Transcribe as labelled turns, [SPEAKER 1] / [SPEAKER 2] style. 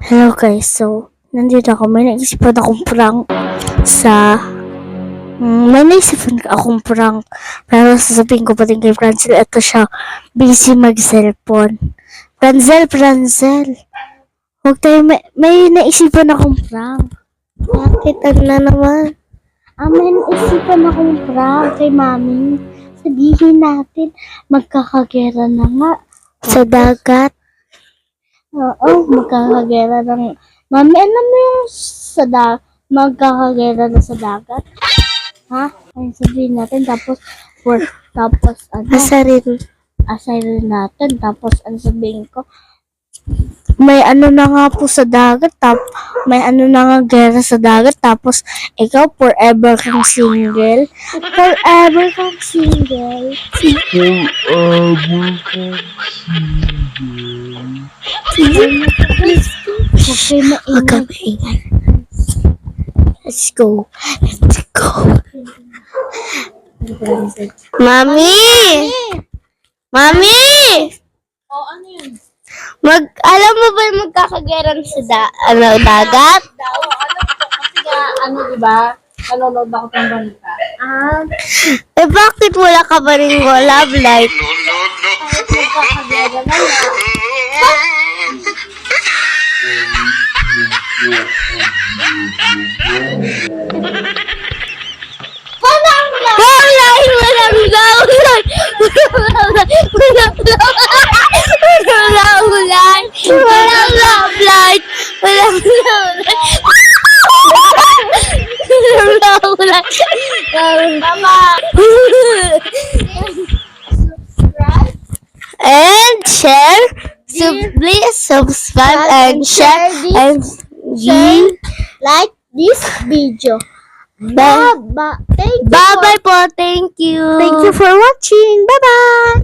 [SPEAKER 1] Hello guys, so nandito ako. May naisipan akong prank pero sasabihin ko pa din kay Francel, ito siya, busy mag-cellphone. Francel, huwag tayo, may naisipan akong prank.
[SPEAKER 2] Bakit? Ano na naman?
[SPEAKER 1] May naisipan akong prank kay mami. Sabihin natin, magkakagera na nga.
[SPEAKER 2] Sa dagat?
[SPEAKER 1] Oo, magkakagera ng... Mami, alam mo yung magkakagera na sa dagat? Ha? Ay, sabihin natin, tapos asarin natin, tapos sabihin ko, may ano na nga po sa dagat, may ano na nga gera sa dagat, tapos ikaw forever kang single. Forever kang single. Okay, maingay. Let's go.
[SPEAKER 2] Mami! Mami!
[SPEAKER 3] Ano yun?
[SPEAKER 2] Alam mo ba yung magkakageran sa dagat?
[SPEAKER 3] Oo, alam ko. Kasi nga, diba? Nanonood ako ng balita.
[SPEAKER 2] Bakit wala ka ba rin love life?
[SPEAKER 3] Magkakagera na yan.
[SPEAKER 2] And share. So please subscribe and share and
[SPEAKER 1] Like this video.
[SPEAKER 2] Bye-bye po. Thank you.
[SPEAKER 1] Thank you for watching. Bye-bye.